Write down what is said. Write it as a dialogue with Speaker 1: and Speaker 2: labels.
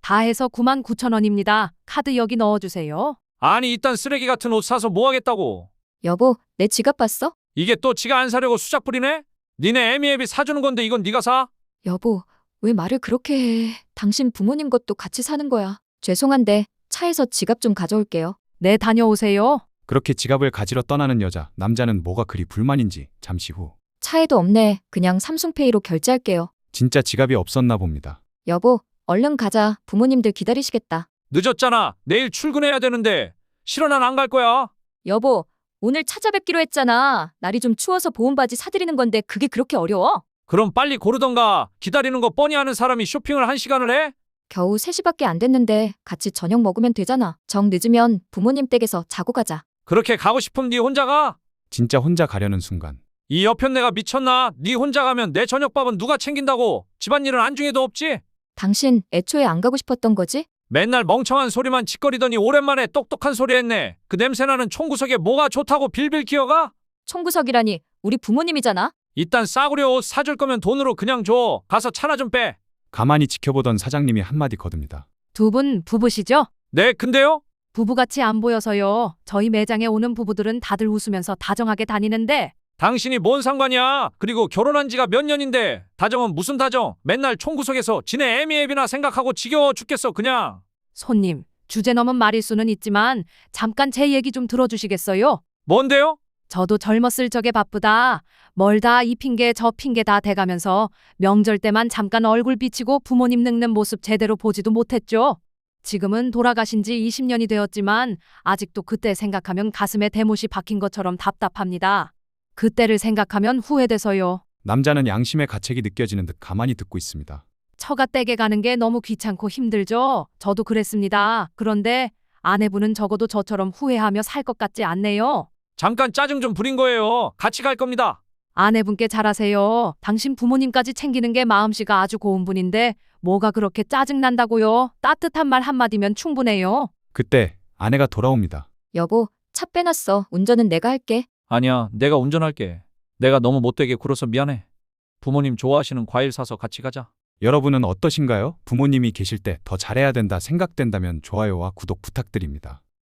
Speaker 1: 다 해서 99,000원입니다. 카드 여기 넣어주세요.
Speaker 2: 아니 이딴 쓰레기 같은 옷 사서 뭐 하겠다고.
Speaker 3: 여보, 내 지갑 봤어?
Speaker 2: 이게 또 지가 안 사려고 수작 부리네? 니네 애미애비 사주는 건데 이건 네가 사?
Speaker 3: 여보, 왜 말을 그렇게 해? 당신 부모님 것도 같이 사는 거야. 죄송한데 차에서 지갑 좀 가져올게요.
Speaker 1: 네, 다녀오세요.
Speaker 4: 그렇게 지갑을 가지러 떠나는 여자, 남자는 뭐가 그리 불만인지 잠시 후
Speaker 3: 차에도 없네. 그냥 삼성페이로 결제할게요.
Speaker 4: 진짜 지갑이 없었나 봅니다.
Speaker 3: 여보, 얼른 가자. 부모님들 기다리시겠다.
Speaker 2: 늦었잖아. 내일 출근해야 되는데. 싫어, 난 안 갈 거야.
Speaker 3: 여보, 오늘 찾아뵙기로 했잖아. 날이 좀 추워서 보온 바지 사드리는 건데 그게 그렇게 어려워?
Speaker 2: 그럼 빨리 고르던가. 기다리는 거 뻔히 아는 사람이 쇼핑을 1시간을 해?
Speaker 3: 겨우 3시밖에 안 됐는데 같이 저녁 먹으면 되잖아. 정 늦으면 부모님 댁에서 자고 가자.
Speaker 2: 그렇게 가고 싶으면 네 혼자 가?
Speaker 4: 진짜 혼자 가려는 순간
Speaker 2: 이 여편네가 미쳤나? 네 혼자 가면 내 저녁밥은 누가 챙긴다고? 집안일은 안중에도 없지?
Speaker 3: 당신 애초에 안 가고 싶었던 거지?
Speaker 2: 맨날 멍청한 소리만 짓거리더니 오랜만에 똑똑한 소리 했네. 그 냄새나는 총구석에 뭐가 좋다고 빌빌 기어가?
Speaker 3: 총구석이라니 우리 부모님이잖아.
Speaker 2: 이딴 싸구려 옷 사줄 거면 돈으로 그냥 줘. 가서 차나 좀 빼.
Speaker 4: 가만히 지켜보던 사장님이 한마디 거듭니다.
Speaker 1: 두 분 부부시죠?
Speaker 2: 네, 근데요?
Speaker 1: 부부같이 안 보여서요. 저희 매장에 오는 부부들은 다들 웃으면서 다정하게 다니는데
Speaker 2: 당신이 뭔 상관이야? 그리고 결혼한 지가 몇 년인데 다정은 무슨 다정? 맨날 총구석에서 지네 애미애비나 생각하고 지겨워 죽겠어 그냥.
Speaker 1: 손님, 주제 넘은 말일 수는 있지만 잠깐 제 얘기 좀 들어주시겠어요?
Speaker 2: 뭔데요?
Speaker 1: 저도 젊었을 적에 바쁘다. 멀다 이 핑계 저 핑계 다 대가면서 명절 때만 잠깐 얼굴 비치고 부모님 늙는 모습 제대로 보지도 못했죠. 지금은 돌아가신 지 20년이 되었지만 아직도 그때 생각하면 가슴에 대못이 박힌 것처럼 답답합니다. 그때를 생각하면 후회돼서요.
Speaker 4: 남자는 양심의 가책이 느껴지는 듯 가만히 듣고 있습니다.
Speaker 1: 처가 댁에 가는 게 너무 귀찮고 힘들죠. 저도 그랬습니다. 그런데 아내분은 적어도 저처럼 후회하며 살 것 같지 않네요.
Speaker 2: 잠깐 짜증 좀 부린 거예요. 같이 갈 겁니다.
Speaker 1: 아내분께 잘하세요. 당신 부모님까지 챙기는 게 마음씨가 아주 고운 분인데 뭐가 그렇게 짜증난다고요. 따뜻한 말 한마디면 충분해요.
Speaker 4: 그때 아내가 돌아옵니다.
Speaker 3: 여보, 차 빼놨어. 운전은 내가 할게.
Speaker 2: 아니야, 내가 운전할게. 내가 너무 못되게 굴어서 미안해. 부모님 좋아하시는 과일 사서 같이 가자.
Speaker 4: 여러분은 어떠신가요? 부모님이 계실 때 더 잘해야 된다 생각된다면 좋아요와 구독 부탁드립니다.